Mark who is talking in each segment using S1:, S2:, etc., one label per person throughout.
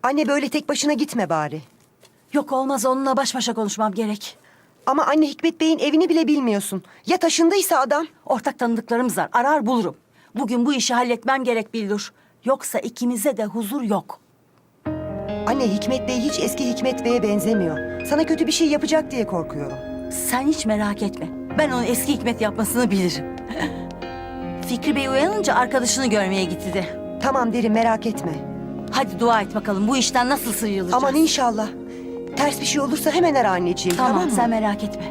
S1: Anne böyle tek başına gitme bari.
S2: Yok olmaz, onunla baş başa konuşmam gerek.
S1: Ama anne Hikmet Bey'in evini bile bilmiyorsun. Ya taşındıysa adam?
S2: Ortak tanıdıklarımız var, arar bulurum. Bugün bu işi halletmem gerek Bildur. Yoksa ikimize de huzur yok.
S1: Anne Hikmet Bey hiç eski Hikmet Bey'e benzemiyor. Sana kötü bir şey yapacak diye korkuyorum.
S2: Sen hiç merak etme. Ben onun eski Hikmet yapmasını bilirim. Fikri Bey uyanınca arkadaşını görmeye gitti de.
S1: Tamam derim, merak etme.
S2: Hadi dua et bakalım, bu işten nasıl sıyrılacağız?
S1: Aman inşallah. Ters bir şey olursa hemen ara anneciğim, tamam
S2: Tamam,
S1: mı?
S2: sen merak etme.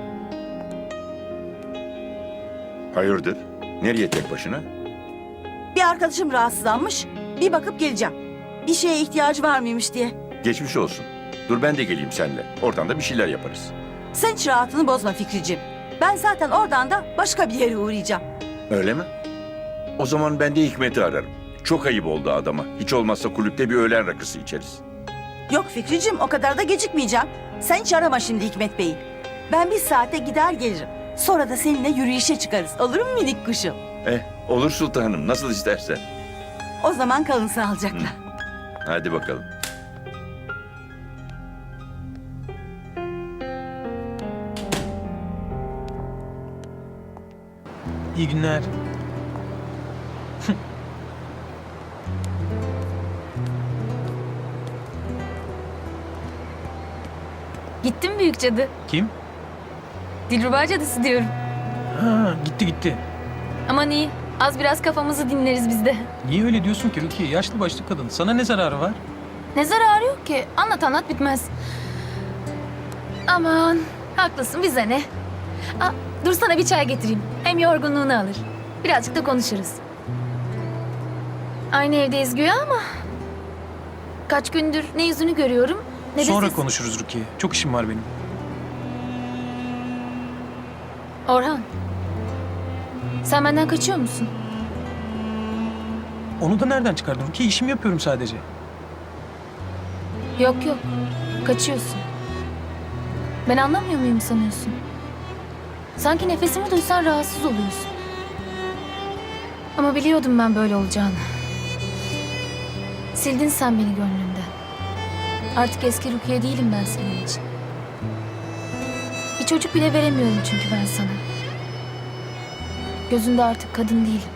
S3: Hayırdır? Nereye tek başına?
S2: Bir arkadaşım rahatsızlanmış, bir bakıp geleceğim. Bir şeye ihtiyacı var mıymış diye.
S3: Geçmiş olsun. Dur ben de geleyim seninle. Oradan da bir şeyler yaparız.
S2: Sen hiç rahatını bozma Fikriciğim. Ben zaten oradan da başka bir yere uğrayacağım.
S3: Öyle mi? O zaman ben de Hikmet'i ararım. Çok ayıp oldu adama. Hiç olmazsa kulüpte bir öğlen rakısı içeriz.
S2: Yok Fikriciğim, o kadar da gecikmeyeceğim. Sen hiç arama şimdi Hikmet Bey'i. Ben bir saate gider gelirim. Sonra da seninle yürüyüşe çıkarız. Olur mu minik kuşum?
S3: Olur sultanım. Nasıl istersen.
S2: O zaman kalın sağlıcakla.
S3: Hadi bakalım.
S4: İyi günler.
S5: Gittim büyük cadı.
S4: Kim?
S5: Dilruba cadısı diyorum.
S4: Ha, gitti.
S5: Aman iyi. Az biraz kafamızı dinleriz biz de.
S4: Niye öyle diyorsun ki Rukiye? Yaşlı başlı kadın. Sana ne zararı var?
S5: Ne zararı yok ki? Anlat bitmez. Aman haklısın, bize ne? Aa, dur sana bir çay getireyim. Hem yorgunluğunu alır. Birazcık da konuşuruz. Aynı evdeyiz güya ama... Kaç gündür ne yüzünü görüyorum ne de
S4: Sonra
S5: ses.
S4: konuşuruz Rukiye. Çok işim var benim.
S5: Orhan. Sen benden kaçıyor musun?
S4: Onu da nereden çıkardın Rukiye? İşimi yapıyorum sadece.
S5: Yok. Kaçıyorsun. Ben anlamıyor muyum sanıyorsun? Sanki nefesimi duysan rahatsız oluyorsun. Ama biliyordum ben böyle olacağını. Sildin sen beni gönlümden. Artık eski Rukiye değilim ben senin için. Bir çocuk bile veremiyorum çünkü ben sana. Gözünde artık kadın değilim.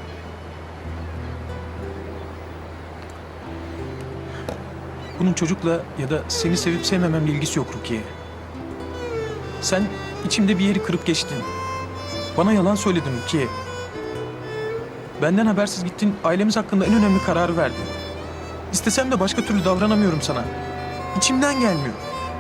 S4: Bunun çocukla ya da seni sevip sevmememle ilgisi yok Rukiye. Sen içimde bir yeri kırıp geçtin. Bana yalan söyledin Rukiye. Benden habersiz gittin, ailemiz hakkında en önemli kararı verdin. İstesem de başka türlü davranamıyorum sana. İçimden gelmiyor.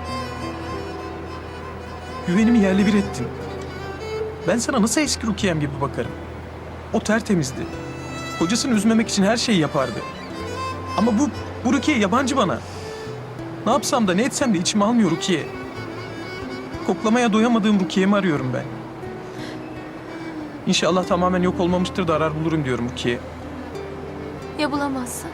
S4: Güvenimi yerle bir ettin. Ben sana nasıl eski Rukiye'm gibi bakarım? O tertemizdi. Kocasını üzmemek için her şeyi yapardı. Ama bu Rukiye yabancı bana. Ne yapsam da ne etsem de içime almıyor Rukiye. Koklamaya doyamadığım Rukiye'mi arıyorum ben. İnşallah tamamen yok olmamıştır da arar bulurum diyorum Rukiye.
S5: Ya bulamazsan?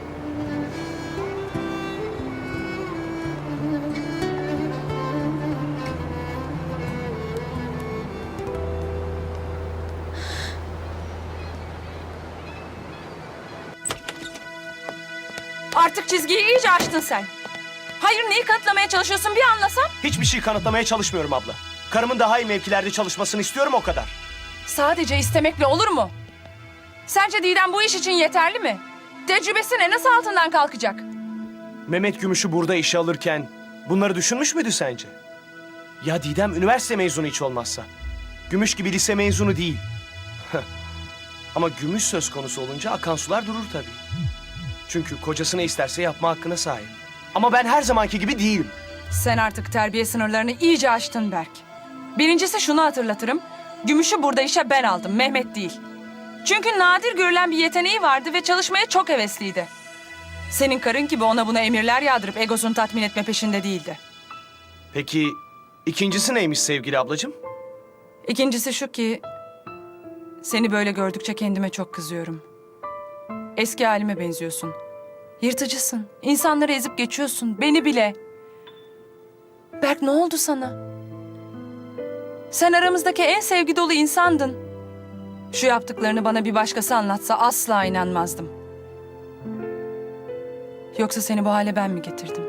S6: Artık çizgiyi iyice aştın sen. Hayır, neyi kanıtlamaya çalışıyorsun bir anlasam?
S7: Hiçbir şey kanıtlamaya çalışmıyorum abla. Karımın daha iyi mevkilerde çalışmasını istiyorum, o kadar.
S6: Sadece istemekle olur mu? Sence Didem bu iş için yeterli mi? Tecrübesine nasıl altından kalkacak?
S7: Mehmet Gümüş'ü burada işe alırken bunları düşünmüş müydü sence? Ya Didem üniversite mezunu hiç olmazsa? Gümüş gibi lise mezunu değil. Ama Gümüş söz konusu olunca akan sular durur tabii. Çünkü kocası ne isterse yapma hakkına sahip. Ama ben her zamanki gibi değilim.
S6: Sen artık terbiye sınırlarını iyice aştın Berk. Birincisi şunu hatırlatırım. Gümüş'ü burada işe ben aldım, Mehmet değil. Çünkü nadir görülen bir yeteneği vardı ve çalışmaya çok hevesliydi. Senin karın gibi ona buna emirler yağdırıp egosunu tatmin etme peşinde değildi.
S7: Peki ikincisi neymiş sevgili ablacığım?
S6: İkincisi şu ki... Seni böyle gördükçe kendime çok kızıyorum. Eski halime benziyorsun. Yırtıcısın. İnsanları ezip geçiyorsun. Beni bile. Berk, ne oldu sana? Sen aramızdaki en sevgi dolu insandın. Şu yaptıklarını bana bir başkası anlatsa asla inanmazdım. Yoksa seni bu hale ben mi getirdim?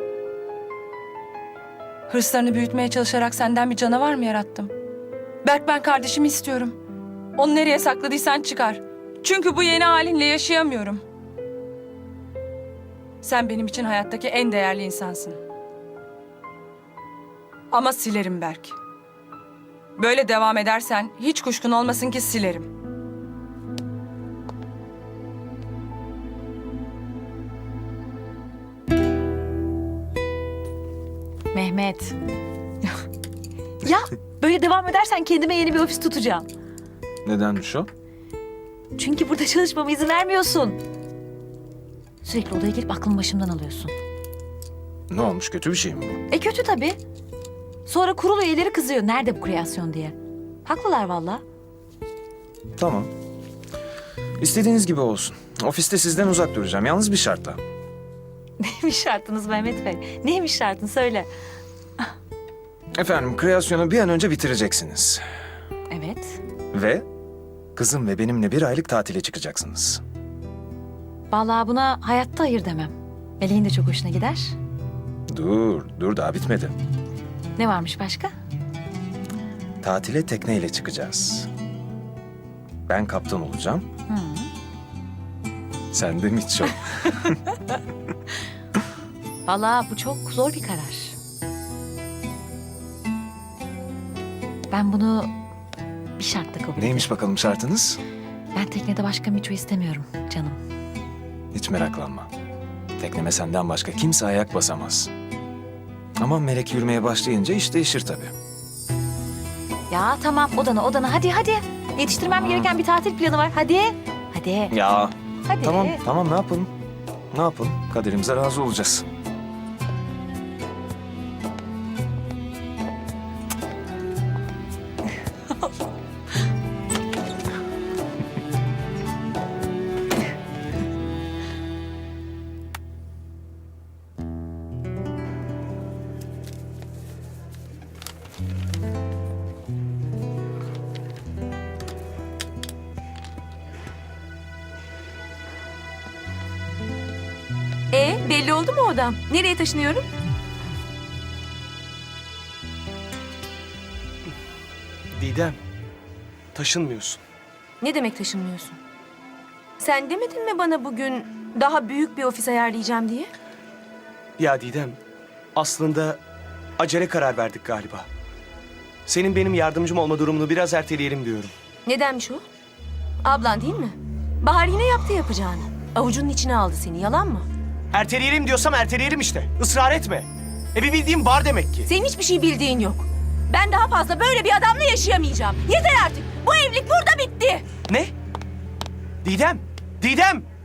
S6: Hırslarını büyütmeye çalışarak senden bir canavar mı yarattım? Berk, ben kardeşimi istiyorum. Onu nereye sakladıysan çıkar. Çünkü bu yeni halinle yaşayamıyorum. Sen benim için hayattaki en değerli insansın. Ama silerim Berk. Böyle devam edersen hiç kuşkun olmasın ki silerim.
S8: Mehmet. Ya böyle devam edersen kendime yeni bir ofis tutacağım.
S9: Nedenmiş o?
S8: Çünkü burada çalışmama izin vermiyorsun. Sürekli odaya gelip aklımı başımdan alıyorsun.
S9: Ne olmuş, kötü bir şey mi bu?
S8: Kötü tabii. Sonra kurul üyeleri kızıyor. Nerede bu kreasyon diye. Haklılar valla.
S9: Tamam. İstediğiniz gibi olsun. Ofiste sizden uzak duracağım. Yalnız bir şartla.
S8: Neymiş şartınız Mehmet Bey? Neymiş şartın söyle.
S9: Efendim, kreasyonu bir an önce bitireceksiniz.
S8: Evet.
S9: Ve kızım ve benimle 1 aylık tatile çıkacaksınız.
S8: Vallahi buna hayatta hayır demem. Meleğin de çok hoşuna gider.
S9: Dur daha bitmedi.
S8: Ne varmış başka?
S9: Tatile tekneyle çıkacağız. Ben kaptan olacağım. Sen de Miço.
S8: Vallahi bu çok zor bir karar. Ben bunu bir şartla kabul ediyorum.
S9: Neymiş bakalım şartınız?
S8: Ben teknede başka Miço istemiyorum canım.
S9: Hiç meraklanma. Tekneme senden başka kimse ayak basamaz. Ama Melek yürümeye başlayınca iş değişir tabii.
S8: Ya tamam odana hadi. Yetiştirmem gereken bir tatil planı var. Hadi.
S9: Ya
S8: Hadi.
S9: tamam ne yapalım? Ne yapalım? Kaderimize razı olacağız.
S10: Belli oldu mu odam? Nereye taşınıyorum?
S7: Didem, taşınmıyorsun.
S10: Ne demek taşınmıyorsun? Sen demedin mi bana bugün daha büyük bir ofis ayarlayacağım diye?
S7: Ya Didem, aslında acele karar verdik galiba. Senin benim yardımcım olma durumunu biraz erteleyelim diyorum.
S10: Nedenmiş o? Ablan değil mi? Bahar yine yaptı yapacağını. Avucunun içine aldı seni, yalan mı?
S7: Erteleyelim diyorsam erteleyelim işte. Israr etme. Bir bildiğim var demek ki.
S10: Senin hiçbir şey bildiğin yok. Ben daha fazla böyle bir adamla yaşayamayacağım. Yeter artık. Bu evlilik burada bitti.
S7: Ne? Didem!